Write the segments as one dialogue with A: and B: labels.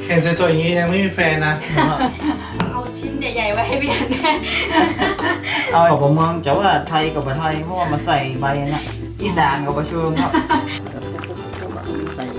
A: เห็นสวยๆอย่างนี้ยังไม่มีแฟนนะ
B: เอาชิ้นใหญ่ๆไว้ให้พี่อันแน่
C: เอาของผมเมืองจะว่าไทยกับประไทยเพราะว่ามันใส่ใบนะอีสานกับประเชิงครับใส่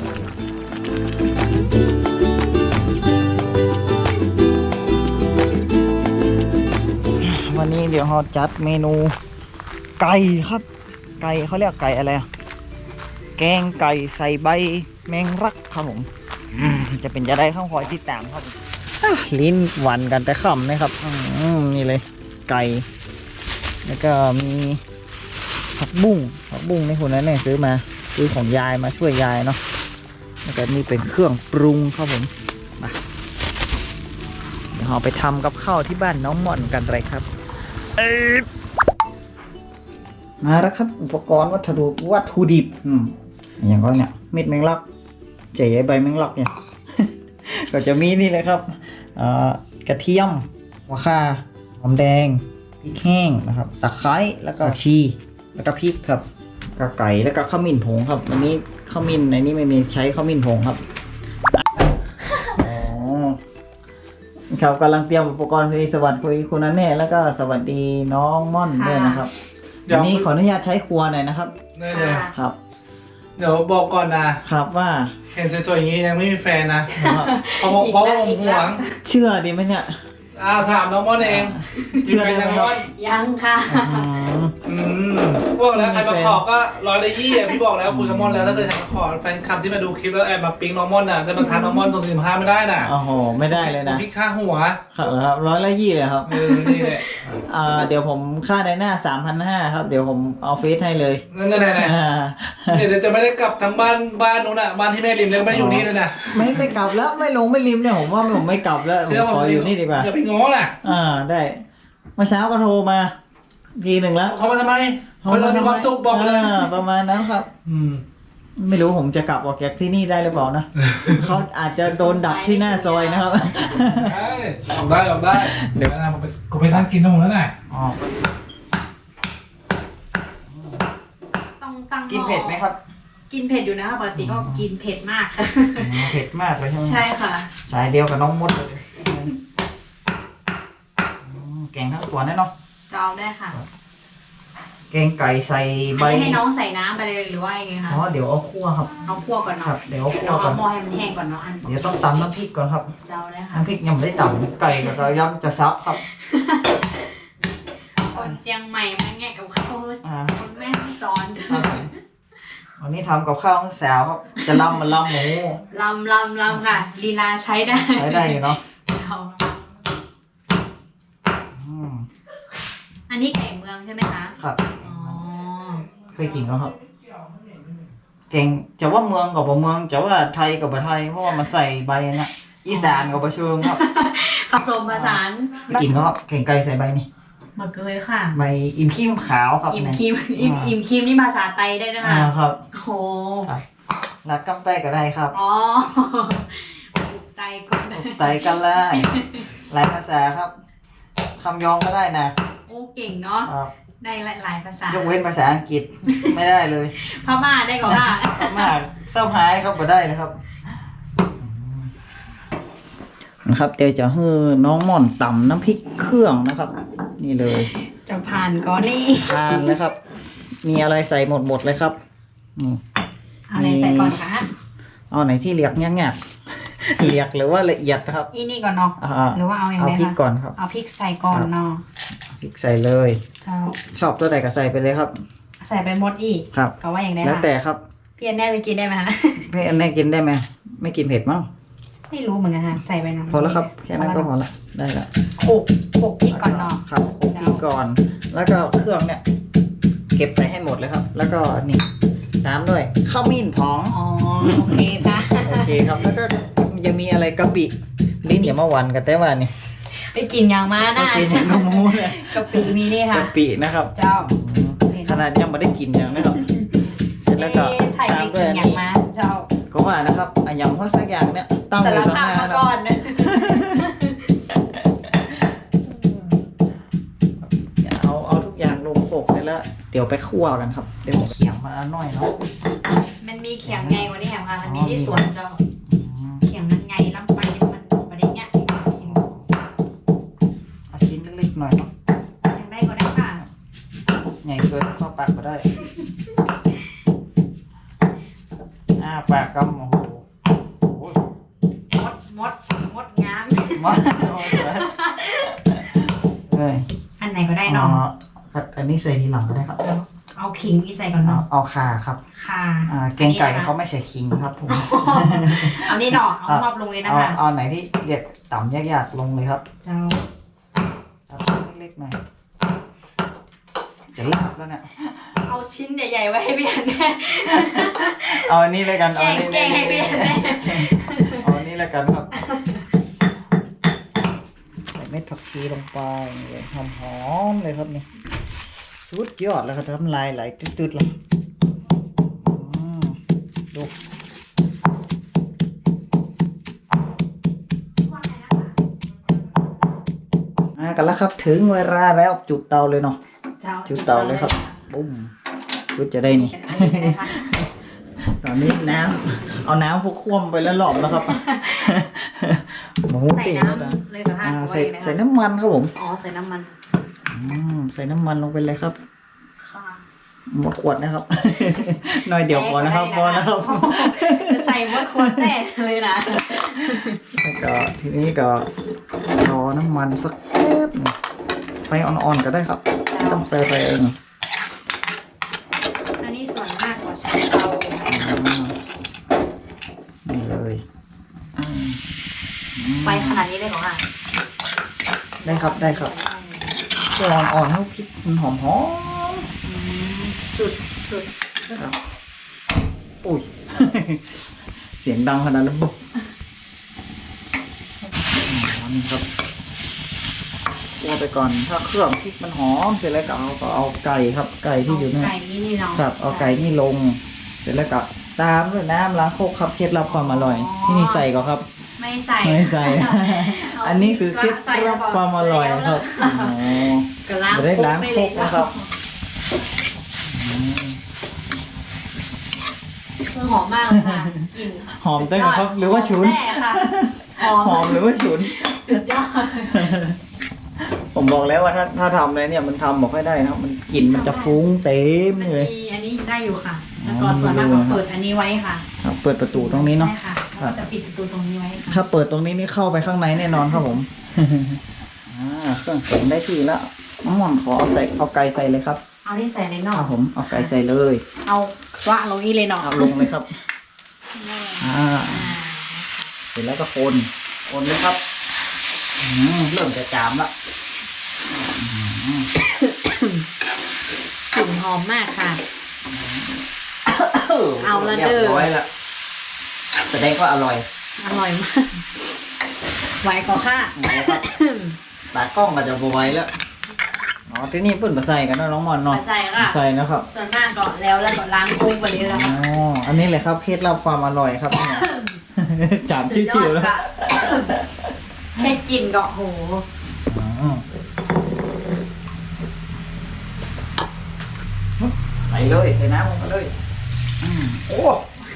C: เลยวันนี้เดี๋ยวเราจัดเมนูไก่ครับไก่เขาเรียกไก่อะไรอะแกงไก่ใส่ใบแมงลักครับผมจะเป็นจะได้ข้าวคอยที่ตามครับลิ้นหวานกันแต่ค่ำนะครับนี่เลยไก่แล้วก็มีผักบุ้งในคนนั้นเนี่ยซื้อของยายมาช่วยยายเนาะแล้วก็นี่เป็นเครื่องปรุงครับผมมาเดี๋ยวเราไปทำกับข้าวที่บ้านน้องม่อนกันเลยครับมาแล้วครับอุปกรณ์วัตถุดิบอย่างก็เนี่ยเม็ดแมงลักเจ๋ใบแมงลักเนี่ย ก็จะมีนี่เลยครับกระเทียมหัวข่าหอมแดงพริกแห้งนะครับตะไคร้แล้วก็ชีแล้วก็พริกครับกระไก่แล้วก็ขมิ้นผงครับอันนี้ขมิ้นในนี้ไม่มีใช้ขมิ้นผงครับครับกำลังเตรียมอุปกรณ์คุยสวัสดีคุณนันแน่แล้วก็สวัสดีน้องม่อนด้วยนะครับวันนี้ขออนุญาตใช้ครัวหน่อยนะครับ
A: ได้เลย
C: ครับ
A: เดี๋ยวบอกก่อนนะครับ
C: ว่า
A: เห็นสวยๆอย่างนี้ยังไม่มีแฟนนะเพราะผมห่วง
C: เชื่อดีไหมเนี่ย
A: ถามน้องม่อนเอง
C: เชื่อได้ไหม
A: น้องม่อน
B: ยังค่ะ
A: บอกแล้วใครมาขอก็120อ่ะพี่บอกแล้วคุยกับม่อนแล้วถ้าเกิดใครมาขอแฟนคลับที่มาดูคลิปแล้วแอบมาปิ๊งน้องม่อนน่ะจะมาทานน้องม่อนตรง45ไม่ได้น่ะ
C: โอ้โหไม่ได้เลยนะ
A: พี่ค่าหัว
C: ครับ120เลยครับ
A: นี่แหละ
C: เดี๋ยวผมค่าในหน้า 3,500 ครับเดี๋ยวผมเอาเฟซให้เลย
A: นั่นเดี๋ยวจะไม่ได้กลับทางบ้านนู้นอ่ะบ้านที่แม่ริมเลยไม่อยู่นี่เลยนะ
C: ไม่กลับแล้วไม่ลงไม่ริมเนี่ยผมว่าผมไม่กลับแล้วผมขออยู่นี่ดีกว่า
A: อย่าไปง้อน่ะ
C: ได้เมื่อเช้าก็โทรมาทีหนึ่งแล้ว
A: เขามาทำไมคนเรามีความสุขบอกเลย
C: ประมาณนั้นครับไม่รู้ผมจะกลับออกจากที่นี่ได้หรือเปล่านะเขาอาจจะโดนดักที่หน้าซอยนะครับ
A: ออกได้เดี๋ยวนะผมไปนั่งกินนมแล้วน่ะ
B: ต้องตั้ง
C: กินเผ็ดไหมครับ
B: กินเผ็ดอยู่นะคะปกติก็กินเผ็ดมากค่ะ
C: เผ็ดมากเลยใช่ไหม
B: ใช่ค่ะ
C: สายเดียวกับน้องมดเลยแกงทั้งตัวแน่เนาะ
B: จะเอาได้ค่ะ
C: แกงไก่ใส่ใบ
B: อันนี้ให้น้องใส่น้ำไปเลยหรือว่ายังไงคะ
C: เดี๋ยวเอาคั่วครับ
B: เอาคั่วก่อน
C: ครั
B: เนาะ
C: บเดี๋ยวเอาคั่ว
B: เรา
C: ก่อ
B: เอา
C: น
B: หม้อให้มันแห้งก่อนเนาะอัน
C: เดี๋ยวต้องตำน้ำพริกก่อนครับ
B: จะเอาได้ค่ะ
C: น้ำพริกยังไม่ได้ตำไก่กับเราย่ำจะซับครับ
B: คนเจียงใหม่มาแง่กับเขาคนแม่สอน
C: วันนี้ทำกับข้าวแซวครับจะลำมันลำหมู
B: ลำค่ะลีลาใช้ได้
C: ใช้ได้อยู่เนาะ
B: อันนี้ไก่เมืองใช่ไหมคะ
C: ครับ
B: อ๋อ
C: เคยกินแล้วครับเก่งจะว่าเมืองกับบ่เมืองจะว่าไทยกับบ่ไทยเพราะว่ามันใส่ใบนะอีสานกับบ่เชิงครับ
B: ผสมผสาน
C: กินก็เก่งไก่ใส่ใบนี่
B: มะเกยค่ะ
C: ใบอิ่มขี้ขาวครับ
B: อิ่มครีมอิ่มครีมนี่ภาษาไทยได้นะคะ
C: ครับ
B: โอ้โห
C: รักกำไตก็ได้ครับ
B: อ๋อไตก่อน
C: ไตกันเลยหลายภาษาครับคำยองก็ได้นะ
B: โอ้เก่งเนาะ
C: ครับ
B: ได้หลายภาษาย
C: กเว้นภาษาอังกฤษไม่ได้เลย
B: พม่าได้ก่อนค่ะ
C: มากเศร้าหายครับบ่ได้นะครับนะครับเดี๋ยวจะให้น้องม่อนตำน้ำพริกเครื่องนะครับ นี่เลย
B: จะผ่านก่อนนี่
C: ทานนะครับ มีอะไรใส่หมดเลยครับนี่
B: เอาอะไรใส่ก่อนคะ
C: เอาไหนที่เรียกง่ายๆเรียกหรือว่าละเอียดนะครับ
B: อีนี่ก่อนเนาะหรือว่าเอาอย่าง
C: เอา
B: ไร
C: พริก
B: คะ
C: ก่อนครับ
B: เอาพริกใส่ก่อนเนาะ
C: พริกใส่เลย
B: เจ้า
C: ชอบตัวใดก็ใส่ไปเลยครับ
B: ใส่ไปหมดอีก
C: ครับ
B: ก็ว่าอย่างไร
C: แล้ว
B: คะ
C: แต่ครับ
B: พี่อันแน่จะกินได้ไหมคะ
C: พี่อันนี้กินได้ไหมไม่กินเผ็ดมั้ง
B: ไม่รู้เหมือนกันค่ะใส่ไปนะ
C: พอแล้วครับแค่นั้นก็พอละได้ละ
B: โขกพริกก่อนเนาะ
C: ครับคลุกพริกก่อน แล้วก็เครื่องเนี่ย เก็บใส่ให้หมดเลยครับ แล้วก็นี่ตามด้วยข้าวมิ้นผอง
B: อ๋อโอเคค่ะ
C: โอเคครับ แล้วก็จะมีอะไรกะปิลิ้นอย่ามาหวันกันแต่ว่านี่
B: ไปกินอย่างมานะ
C: กะปิเนี่ยกระมูเนี่ย
B: กะปิมีนี่ค่ะ
C: กะปินะครับ
B: เจ้า
C: ขนาดยังไม่ได้กินอย่างนะครับ เสร็จแล้วก็
B: ไทย
C: ตา
B: ไป
C: มด้
B: กิ
C: วย
B: น
C: อัน
B: อย่าง
C: นี้
B: มาเจ้า
C: ก็ว่านะครับอย่างพวกสักอย่างเนี่ยตั้งอ
B: สาร
C: ยู่ตรง
B: ภา
C: ห
B: พ
C: น้า
B: มา
C: นะ
B: ก่อนนะ
C: เอาทุกอย่างลงโขลกไปแล้วเดี๋ยวไปคั่วกันครับเดี๋ยวเขียงมาหน่อยเนาะ
B: มันมีเขียงไงกว่านี้แหมค่ะมันมีที่สวนเจ้าเขียงมันไงล้
C: ตักมาได้ปากกำโอ้โหโอ้ย
B: มดงาม
C: มาเอ้ย
B: อันไหนก็ได้เนาะ
C: อันนี้ใส่ทีหลังก็ได้ครับ
B: เอาขิงนี่ใส่ก่อนเนาะ
C: เอาข่าครับ
B: ค่ะ
C: แกงไก่เขาไม่ใส่ขิงครับผม
B: เอานี่เนาะเอามอบลงเลยนะคะ
C: เอาไหนที่เด็ดต่ำยากๆลงเลยครับ
B: เจ้า
C: ตัดเล็กๆหน่อยจะลาบแล้วเนี่ย
B: เอาชิ้นใหญ่ๆไว้ให้พี่อันแน่
C: เอาอันนี้เลยกัน
B: แกงให้พี่อันแน่
C: เอาอันนี้เลยกันครับใส่เม็ดผักชีลงไปเลยหอมๆเลยครับเนี่ยสุดยอดแล้วครับน้ำลายไหลตืดๆเลยดูกันแล้วครับถึงเวลาแล้วจุดเตาเลยเนาะจุดเตาเลยครับบุ้มจุดจะได้นี่ ตอนนี้น้ำเอาน้ำพวกคว่ำไปแล้วหลอมแล้วครับหมู
B: ใส่
C: ปิ้ง
B: น้ำเลยเหรอคะ
C: ใส่น้ำมันครับผม
B: อ๋อใส่น้ำมัน
C: ใส่น้ำมันลงไปเลยครับ
B: ค่ะ
C: หมดขวดนะครับ หน่อยเดียวพอนะครับพอนะครับ
B: ใส่มดขวดแน่เลยนะ
C: แล้วก็ทีนี้ก็รอน้ำมันสักแป๊บหนึ่งไฟอ่อนๆก็ได้ครับไม่ต้องไฟเอง
B: อันนี้ส่วนมากกว่าใช้เตาเลยนะ
C: นี่เลยอืม
B: ไฟขนาดนี้เลยเหรอคะ
C: ได้ครับได้ครับไฟอ่อนๆให้พริกมันหอม
B: สุดสุด
C: ๆครับอุ้ย เสียงดังขนาดนั้นบุ๊บนี่ครับคั่วไปก่อนถ้าเครื่องพริกมันหอมเสร็จแล้วก็เอาไก่ครับ ไก่ที่อยู่เนี่ย
B: ไก่นี่เนาะ
C: ครับเอาไก่นี่ลง เสร็จแล้วก็ตามด้วยน้ำล้างโคกครับเคล็ดลับความอร่อย ที่นี่ใส่ก่อนครับ
B: ไม่ใส่
C: ไม่ใส่ อันนี้คือเคล็ดลับความอร่อยครับอ๋อ
B: ก็ล้าง
C: จะได้ล้างโคกนะครับ
B: หอมมากเลยค่ะกลิ่น
C: หอมตั้งแต่ครับหรือว่าฉุน
B: แน่ค่ะหอม
C: หรือว่าฉุน
B: สุดยอด
C: ผมบอกแล้วว่าถ้าทำเลยเนี่ยมันทำบอกให้ได้นะครับ มันกลิ่นมันจะฟุ้งเต็ม
B: มัน
C: เลย
B: มีอันนี้ได้อยู่ค่ะ แล้วก็ส่วนมากก็เปิดอันนี้ไว้ค่ะ
C: ครับเปิดประตูตรงนี้เนาะ
B: ใช่ค่ะแล้วก็จะปิดประตูตรงนี้ไว้ค่ะ
C: ถ้าเปิดตรงนี้นี่เข้าไปข้างในแน่นอนครับผม เครื่องเสียงได้ที่แล้วน้ำมันขอเอาไก่ใส่เลยครับ
B: เอาที่ใส่ในน
C: ค
B: อก
C: รับผมเอาไก่ใส่เลย
B: เอาวะลงนี้เลยเนาะ
C: เอาลงเลยครับ
B: อ่า
C: เสร็จแล้วก็คนเลยครับเริ่มจะจามละ
B: กลิ่นหอมมากค่ะ เอาละเด้อ
C: รียบร้อยละแสดงว่าอร่อย
B: อร่อยมากไหวก็ค่ะ
C: นะครับตากล้องก็จะบวยแล้วอ๋อที่นี่เพิ่นมาใส่กันเนาะน้องมอนเนาะ
B: มาใส่ค่ะ
C: ใส่นะครับ
B: ส่วนมากก็แล้วก็ล้างกุ้งไปเลยแล้ว
C: อ๋
B: ค่ะ
C: ออันนี้แหละครับเคล็ดลับความอร่อยครับเนี่ย จามชิวๆแล้ว
B: สุดยอดค่ะแค่กลิ่นก็โห
C: ใส่เลยใส่น้ำลงไปเลยโอ้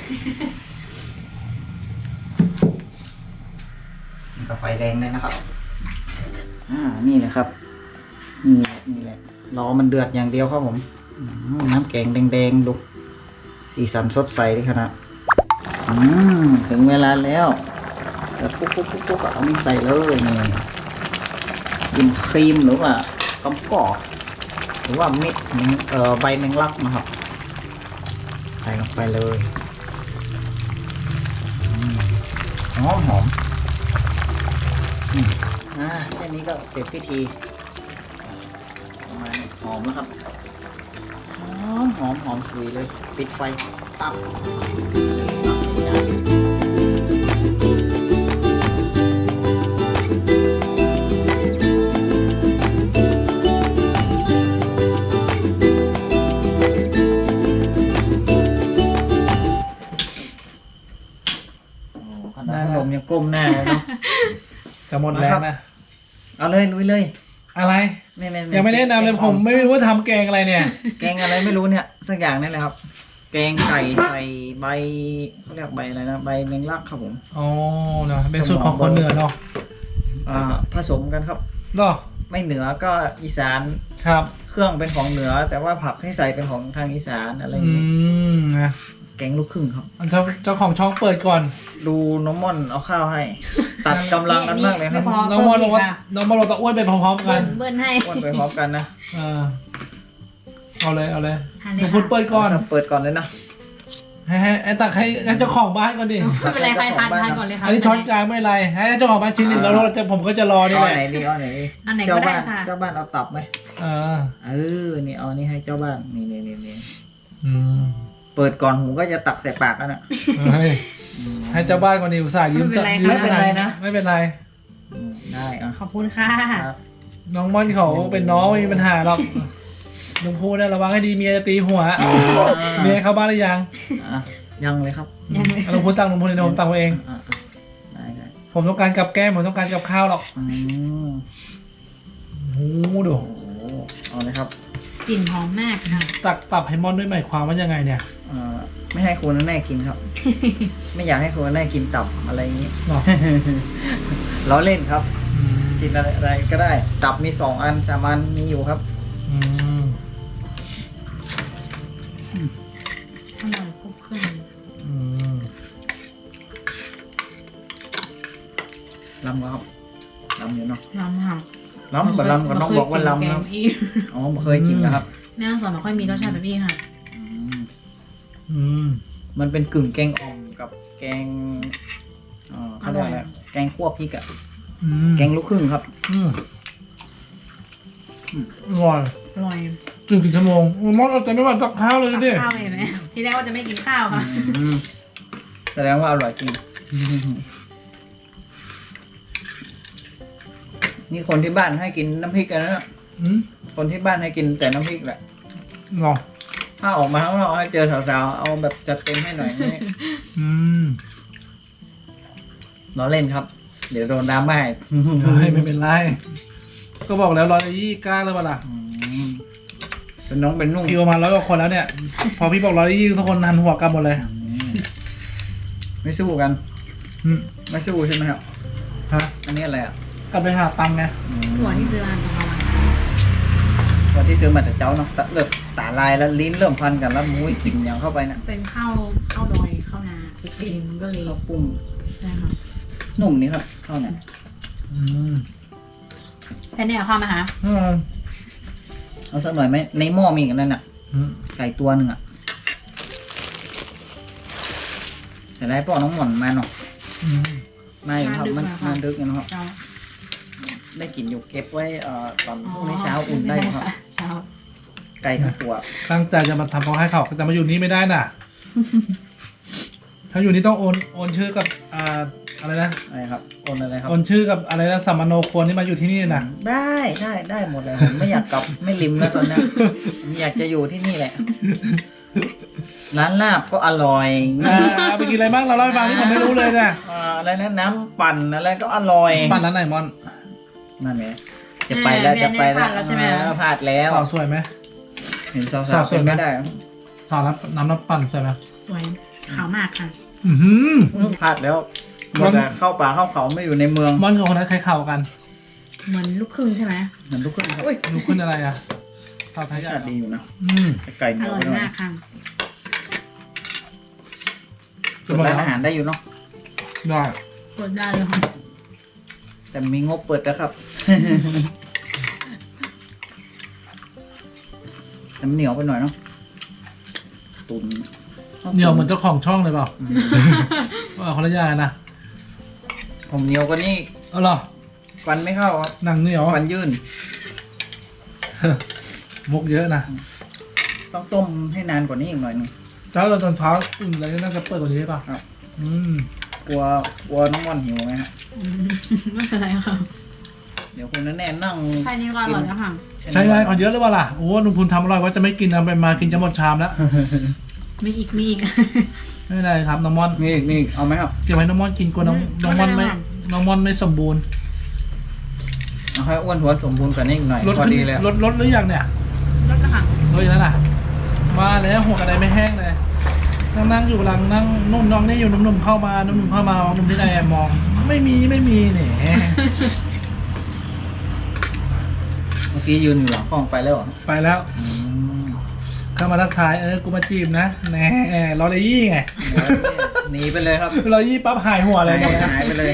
C: นี่ก็ไฟแรงเลยนะครับนี่แหละครับนี่แหละรอมันเดือดอย่างเดียวครับผมน้ำแกงแดงๆดูสีสันสดใสเลยขนาดถึงเวลาแล้วเดี๋ยวปุ๊บเอานี่ใส่เลยนี่กินครีมหรือว่ากำกอกหรือว่าเม็ดใบแมงลักนะครับใส่ลงไปเลยหอมแค่นี้ก็เสร็จพิธีมาหอมแล้วครับหอมสุยเลยปิดไฟปั๊บขนาดขนมยังก้มหน้าเลยเนาะ
A: จะหมดแล้วนะ
C: เอาเลยลุยเลย
A: อะไร ยังไม่แนะนำเลยผมไม่รู้ว่าทำแกงอะไรเนี่ย
C: แกงอะไรไม่รู้เนี่ยสักอย่างนี่แหละครับ แกงไก่ใส่ใบเขาเรียกใบอะไรนะใบแมงลักครับผม
A: อ๋อเนาะเป็นสูตรของคนเหนือเนาะ
C: ผสมกันครับ
A: เนาะ
C: ไม่เหนือก็อีสาน
A: ครับ
C: ครื่องเป็นของเหนือ แต่ว่าผักที่ใส่เป็นของทางอีสานอะไรอย่างนี้
A: นะ
C: แกงลูกครึ่งครับ
A: เจ้าของช่องเปิดก่อน
C: ดูน้องม่อนเอาข้าวให้ ตัดกำลังกันมากเลยครับ
A: น้องมอนบอกว่าน้องมอนบอกตะอ้วนไปพร้อมๆกัน
B: เบิ้ลให้
C: อ้วนไปพร้อมกันนะ
A: เอาเลยเอาเลย
B: ทาน
A: ห
B: เล
A: นู
B: ย
A: พูด
B: ค่ะ
A: เปิดก่อน
C: เปิดก่อนเลยนะ
A: ให้ตักให้เจ้าของบ้านก่อนดิ
B: ไม่เป็นไรใครทานก่อนเลยค่ะ
A: อันนี้ช้อนกลางไม่เป็นไรให้เจ้าของบ้านชิ้นหนึ่งแล้วผมก็จะรอนี่
C: เอา
A: แหละ
C: ไหนดีเอาไหนดี
B: อันไหน
C: เจ้า
B: ก็ได้
C: บ้าน
B: ค่ะ
C: เจ้าบ้านเอาตับไหม
A: อ่า
C: นี่เอานี่ให้เจ้าบ้านนี่
A: อืม
C: เปิดก่อนผมก็จะตักใส่ปากแล้วน่ะ
A: ให้เจ้าบ้านก่อนดิอุตส่าห์ยืม
C: ไม่เป็นไรนะ
A: ไม่เป็นไร
C: ได้อ่ะ
B: ขอบคุณค่ะ
C: ครับ
A: น้องม่อนเขาเป็นน้องไม่มีปัญหาหรอกลุงพูดนะระวังให้ดีเมียจะตีหัวเมียเข้าบ้านหรือยัง
C: อ่ะยังเลยครับ
A: ลุงพูดตังลุงพูดในผมตังเอง
C: อ่ะได้
A: ผมต้องการกับแก้มผมต้องการกับข้าวหรอก
C: อืม
A: โอ้โหดู
C: โอ้โหเอาเลยครับ
B: กลิ่นหอมมากค่ะ
A: ตับให้ม่อนด้วยหมายความว่ายังไงเนี่ย
C: ไม่ให้คุณแน่กินครับ ไม่อยากให้คุณแน่กินตับอะไรอย่างนี้
A: หรอ
C: ล้อเล่นครับ
A: อืม
C: กินอะไรก็ได้ ตับมี2 อัน3 อันมีอยู่ครับ
A: อืม
B: อร่อยครบเครื่อง
A: อืม
C: ลำครับลำอยู่เนาะ
B: ลำค่ะ
C: ลำกับลำกับน้องบอกว่าลำนะอ๋อไม่เคยกินนะครับ
B: แม่ต้องสอนไม่ค่อยมีรสชาติแบบนี้ค่ะ
C: อืม
A: อืม
C: มันเป็นกึ่งแกงอ่อมกับแกงเขาเรียกอะไรแกงคั่วพริกอะ
A: อืม
C: แกงลูกครึ่งครับ
A: อืมอร่อย
B: อร่อย
A: จึงกี่ชั่วโมงม่อนเราจะไม่หวานตักข้าวเลย
B: ตัก
A: ดิ
B: ข้าวเลยเห็นไหมที่แรกว่าจะไม่กินข้าวค่ะ
C: อืมแสดงว่าอร่อยจริง นี่คนที่บ้านให้กินน้ำพริกกันนะ
A: อืม
C: คนที่บ้านให้กินแต่น้ำพริกแหละ
A: หรอ
C: ถ้าออกมาข้างนอกให้เจอสาวๆเอาแบบจัดเต็มให้หน่อยนี่
A: อืม
C: ล้อเล่นครับ เดี๋ยวโดนดราม่าอีก
A: ไม่เป็นไรก็บอกแล้ว120กล้าเลยเปล่าล่ะ
C: อืมเป็นน้องเป็นนุ่ง
A: พี่ประมาณ100 กว่าคนแล้วเนี่ย พอพี่บอก120ทุกคนหันหัวกลับหมดเลย
C: อืมไม่สู้กัน
A: อืม
C: ไม่สู้ใช่ไหมครับ
A: ฮะ
C: อันนี้อะไรอ่ะ
A: กลับไปหาตังค์ไง
B: หัวที่ซื้อร้านของเราอะ
C: วันที่ซื้อมาจากเจ้าเนาะเริ่มตาลายแล้วลิ้นเริ่มพันกันแล้วมุ้ยกลิ่นอย่างเข้าไปนะ
B: เป็นข้าวดอยข้าวนาคลุกเองก็เลย
C: ข้าวปุ้ง
B: ได้ค่ะ
C: นุ่มนี่ครับข้าวเนี่ย
A: อืม
B: แค่นี้เอาข้าวมาหา
A: อืม
C: เอาสักหน่อยไหมในหม้อมีอีกันนั่นอ่ะ
A: อืม
C: ไก่ตัวหนึ่งอ่ะแต่ได้ปอกน้องหม่อนมาเนาะ
A: อืม
C: มาอยู่ครับมันดึกอยู่นะครับ
B: เช้า
C: ได้กินอยู่เก็บไว้ตอนพรุ่งนี้เช้าอุ่นได้อยู่ครับ
B: เช้า
C: ไก่ทั้งตัว
A: ตั้งใจจะมาทำเขาให้เขาแต่มาอยู่นี่ไม่ได้น่ะ ถ้าอยู่นี่ต้องโอนชื่อกับอะไรนะ
C: อะไรครับโอนอะไรครับ
A: โอนชื่อกับอะไรนะสัมมโนครัวนี่มาอยู่ที่นี่นะ
C: ได้หมดเลยผมไม่อยากกลับไม่ริมแล้วตอนเนี้ยผมอยากจะอยู่ที่นี่แหละ ร้านลาบก็อร่อย
A: ไปกินอะไรบ้างเราเล่าให้ฟังที่ผมไม่รู้เลยเนี่ย
C: อะไรนะน้ำปั่นอะไรก็อร่อย
A: บ้านร้านไหนมอน
C: นั่นไงจะไปแล้วจะไปแล้วพลาดแล้ว
A: สาวสวยไหม
C: เห็นสาวๆเป็นไม่ได้
A: สาวน้ำปั่นสวยไหม
B: สวยขาวมากค่ะ
A: อือหือ
C: พลาดแล้วหมดแล้วเข้าป่าเข้าเขาไม่อยู่ในเมือง
A: มอนกับคนนั้นใครเข่ากัน
B: เหมือนลูกครึ่งใช่ไหม
C: เหมือนทุกคนครับ
A: ดูขึ้นอะไรอ่ะสาวไทย
C: ชาติดีอยู่นะ
A: อืม
C: แต่ไก่เห
B: อ
C: นียว
B: ร่อย
C: ไปหน่อย
B: มากค่ะ
A: จะบอก
C: ร้าน
A: ว่า
C: อาหารได้อยู่เนาะ
A: ได้
B: กดได้เลยค่ะ
C: แต่มีงบเปิดนะครับ แต่มันเหนียวไปหน่อยเนาะตุน
A: เหนียวเหมือนเจ้าของช่องเลยเปล่าว่าคนละอย่างนะ
C: ผมเหนียวกว่านี้
A: เอาเหรอ
C: ฟันไม่เข้าครับ
A: หนังเหนียว
C: ฟันยื่น
A: มุกเยอะนะ
C: ต้องต้มให้นานกว่านี้อีกหน่อยหนึง
A: เจ้าตอนเช้าอุ่นอะไรน่าจะเปิดกว่านี้ป่ะ
C: ครับ
A: อืม
C: กลัวน้องม่อนหิวไหมฮะ
B: ไม่เป็นไรค่ะ
C: เดี๋ยวคุณแน่นั่ง
B: แค่นี้ก็อร่อยแล้วค่ะ
A: ใช่ไงขอเยอะหรือเปล่าล่ะโอ้ลุงพูนทำอร่อยว่าจะไม่กินเอาไปมากินจะหมดชามแล้ว
B: มีอีก
A: ไม่เป็นไรครับน้องม่อน
C: มีอีกเอาไหมครับ
A: เก็บไว้น้องม่อนกินกลัวน้องม่อนไม่น้องม่อนไม่สมบูรณ์
C: เอาให้อ้วนท้วนสมบูรณ์กว่านี้อีกหน่อย
A: ลด
C: พอ
A: ขึ้น
C: ดีแล้ว
A: ลดหรือยังเนี่ย
B: รสค่ะ
A: ลดอีกแล้วล่ะมาแล้วหัวกระไดไม่แห้งเลยนั่งอยู่หลังนั่งนุ่มน้องนี่อยู่นุ่มๆเข้ามานุ่มๆเข้ามานุ่มที่ไหนมอง ไม่มีเนี่ย
C: โเมื่อกี้ยืนอยู่หลังกล้องไปแล้วเหรอ
A: ไปแล้ว
C: อืม
A: เข้ามาทักทายกูมาจีบนะแหน่รอเลยยี่ไง
C: หนีไปเลยครับ
A: รอยี่ปั๊บหายหัวเลยหมดนะ
C: หายไปเลย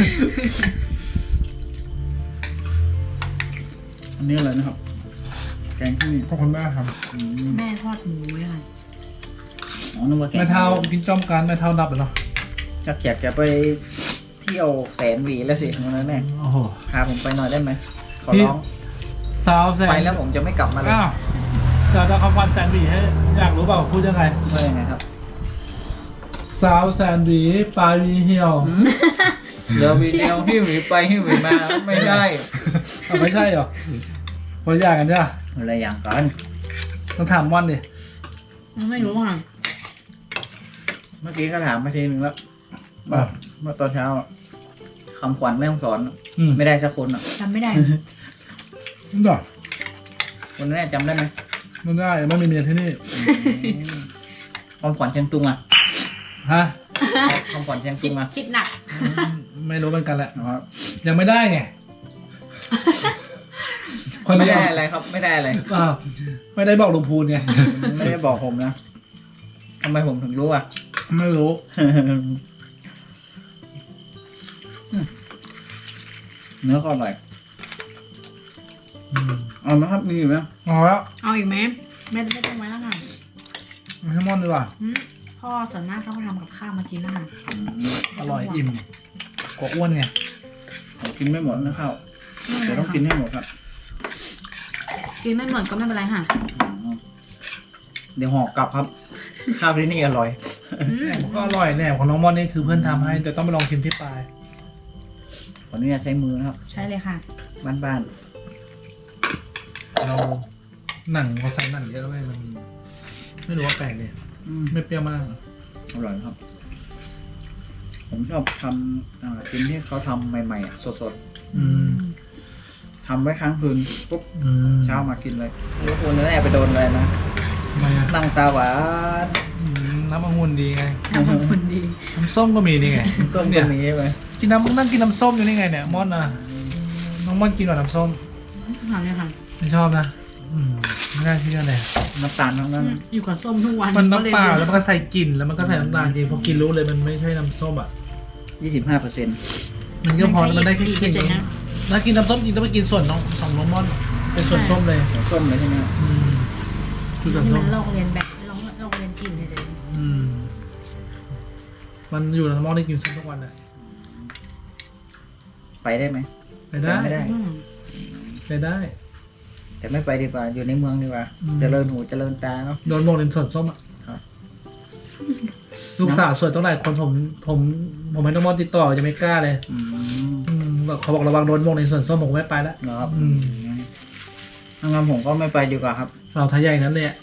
C: อันนี้อะไรนะครับ แกงที่
A: ขอบคุณมากครับ
C: อืม
B: แม่ทอดหมูไว้ค่ะ
C: อ๋อนึกว่าแกง
A: แม่เท้ากินจ้อมกันแม่เท้าดับเลยเนาะ
C: จักอยากจะไปเที่ยวแสนหวีแล้วสิวันนั้นแม่
A: โอ้โห
C: พาผมไปหน่อยได้ไหมขอ
A: พี่
C: ร้อง
A: สาวแสน
C: ไปแล้วผมจะไม่กลับมาเลย
A: อ้าวเดี๋ยวจะคำวันแสนหวีให้อยากรู้เปล่าพูดยังไง
C: ว่ายังไงครับ
A: สาวแสนหวีปลายหวีเหี่ยว
C: เดี๋ยววีเดียวหิ้วหวีไปหิ้วหวีมาไม่ได้
A: เอาไม่ใช่เหรอคนละอย่างกันใช่ปะ
C: อะไรอย่างกัน
A: ต้องถามม่อนดิ
B: ไม่รู้ค่ะ
C: เมื่อกี้ก็ถามไปทีนึงแล้ว
A: อ่ะ
C: เมื่อตอนเช้าอะคำขวัญแม่ต้องสอนอะ
A: อืม
C: ไม่ได้สักคนอ่ะ
B: จำไม่ได้
A: มันดอก
C: คนแรกจำได้ไหม
A: มันได้ไม่มีเมียที่นี่
C: คำขวัญเชียงตุงอ่ะ
A: ฮะ
C: คำขวัญเชียง
B: คิ
C: ตุ
B: ด
C: งอ่ะ
B: คิดหนัก
A: ไม่รู้เหมือนกันแหละ
C: นะครับ
A: ยังไม่ได้ไง คน
C: ไม่
A: เดียว
C: ได้อะไรครับ ไม่ได้อะไร
A: อ้าวไม่ได้บอกลุงพูนไง
C: ไม่ได้บอกผมนะทำไมผมถึงรู้อ่ะ
A: ไม่รู้
C: เนื้อก็อร่อย เอาไหมครับมีอยู่ไหม
A: เอาแล้ว
B: เอาอีกไหมไม่ต้องไว้แล้วค่ะ
A: มาให้ม่อนดีกว่า
B: พ่อส่วนมากเขาก็ทำกับข้าวมากินแล้วค่ะ
A: อร่อยอิ่มกว่าอ้วนไง
C: ผมกินไม่หมดนะข้าวเดี๋ยวต้องกินให้หมดครับ
B: กินไม่หมดก็ไม่เป็นไรค่ะ
C: เดี๋ยวห่อกลับครับ ข้าวที่นี่อร่อย
A: แหนมก็อร่อยแหนมของน้องม่อนนี่คือเพื่อนทำให้แต่ต้องไปลองชิมที่ปลาย
C: ขออนุญาตใช้มือนะครับ
B: ใช่เลยค่ะ
C: บ้าน
A: เราหนังเขาใส่หนังเยอะเลยมัน ไม่รู้ว่าแปลกเลย
C: ๆอืม
A: ไม่เปรี้ยวมาก
C: อร่อยครับ ผมชอบทำกินที่เขาทำใหม่ๆสด
A: อืม
C: ๆทำไว้ค้างคืนปุ๊บ
A: อืม
C: เช้ามากินเลยไม่รู้คุณนั่นแหละไปโดนอะไรนะ
A: ทำไมอ่ะ
C: นั่งตาหวาน
A: น้ำองุ่นดีไง
B: ทำเป็นคนดี
A: น้ำส้มก็มีนี่ไง
C: ส้ม
A: เนี่ย
C: นี้ใช่ไหม
A: กินน้ำนั่งกินน้ำส้มอยู่นี่ไงเนี่ยม่อนอ่ะน้องม่อนกินหน่อยน้ำส้ม
B: ทำเลยค่ะ
A: ไม่ชอบนะไม่น่าเชื่อเลย
C: น้ำตาลทั้งนั้น
B: อยู่กับส้มทุกวัน
A: มันน้ำเปล่าแล้วมันก็ใส่กลิ่นแล้วมันก็ใส่น้ำตาลจริงพอกินรู้เลยมันไม่ใช่น้ำส้มอ่ะ
C: 25%
A: มันก็พอแล้วมันได้แค่
B: กี่
A: ก
B: เปอ
A: ลิ่น
B: ร์เซ็นต์นะ
A: ถ้ากินน้ำส้มจริงต้องไปกินส่วนของน้องม่อนเป็นส่วนส้มเลย
C: ส้มเลยใช่ไหมครับ
A: คือส่วน
B: นี่
A: ส้
B: มั
A: ม
B: นลอกเรียนแบบลอกเรียนกินเลย
A: มันอยู่ในน้ำม่อนได้กินส้มทุกวันเลย
C: ไปได้ไหม
A: ไปได้
C: ไม่ได้
A: ไปได้
C: แต่ไม่ไปดีกว่า อยู่ในเมืองดีกว่า เจริญหูเจริญตาเนาะ
A: โดนโมงในส่วนส้มอ่ะ
C: ครับ
A: ลูกสาวสวยต้องหลายคนผมให้น้องม่อนติดต่อจะไม่กล้าเลย แบบเขาบอกระวังโดนโมงในส่วนส้มผมไม่ไปแล้ว
C: เนาะ
A: อืม
C: งั้นผมก็ไม่ไปดีกว่าครับ
A: สาวไทยใหญ่นั้นเลยอะ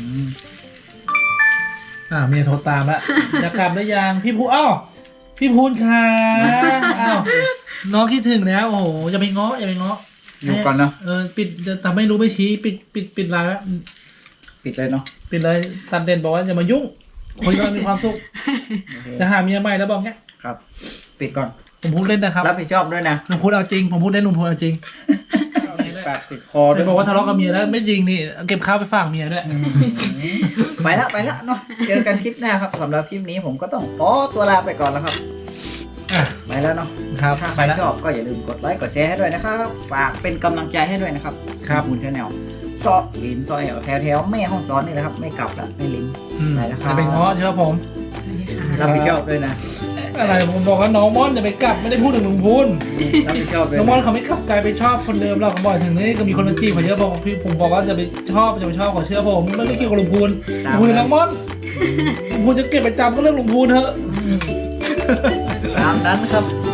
A: เมียโทรตามแล้ว จะกลับหรือยังพี่พูอ้าวพี่พูนค่ะอ้าวน้องคิดถึงแล้วโอ้โหอย่าไปง้ออย่าไปง้อ
C: อยู่ก่อนเนาะ
A: ปิดแต่ไม่รู้ไม่ชี้ปิดไลน์แล้ว
C: ปิดเลยเนาะ
A: ปิดเลยตัดเด่นบอกว่าอย่ามายุ่งคนเรามีความสุข
C: โอเค
A: จะหาเมียใหม่แล้วบอกเงี้ย
C: ครับ ปิดก่อน
A: ผมพูดเล่นนะครับ
C: รับผิดชอบด้วยนะ
A: ลุงพูดเอาจริงผมพูดเล่นลุงพูดเอาจริง
C: ปากติดคอด้
A: จะ
C: วย
A: บอกว่าทะเลาะกับเมียแล้วไม่จริงนี่เก็บข้าวไปฝากเมียด้วย
C: ไปละเนาะ เจอกันคลิปหน้าครับสำหรับคลิปนี้ผมก็ต้องขอตัวลาไปก่อนแล้วครับ
A: อ่ะ
C: ไปแล้วเนาะ
A: ครับ
C: ถ้าใค
A: ไป
C: ร
A: แล้ว
C: ชอบก็อย่าลืมกดไลค์กดแชร์ให้ด้วยนะครับ ฝากเป็นกำลังใจให้ด้วยนะครับ
A: ครับ
C: คุณชาแนลซอลินซอยแถวแม่ห้องซ้อนนี่แหละครับ ไม่กลับละไม่ลิน ไปแล้วครับ
A: จะเป็นง้อเชื่อผม
C: รับผิดชอบด้วยนะ
A: อะไรผมบอกว่าน้องม่อนจะไปกลับไม่ได้พูดถึงลุงพูน
C: รับผิดชอบด้วย
A: น้องม่อน
C: นะ
A: เขาไม่กลับกลายไปชอบคนเดิมเราเขาบอกถึงนี่ก็มีคนมาจีบเขาเยอะบอกพี่ผมบอกว่าจะไปชอบเขาเชื่อผมไม่ได้เกี่ยวกับลุงพูนลุงพูนน้องม่อนลุงพูนจะเก็บประจำก็เรื่องลุงพูนเถอะ
C: ตามนั้นครับ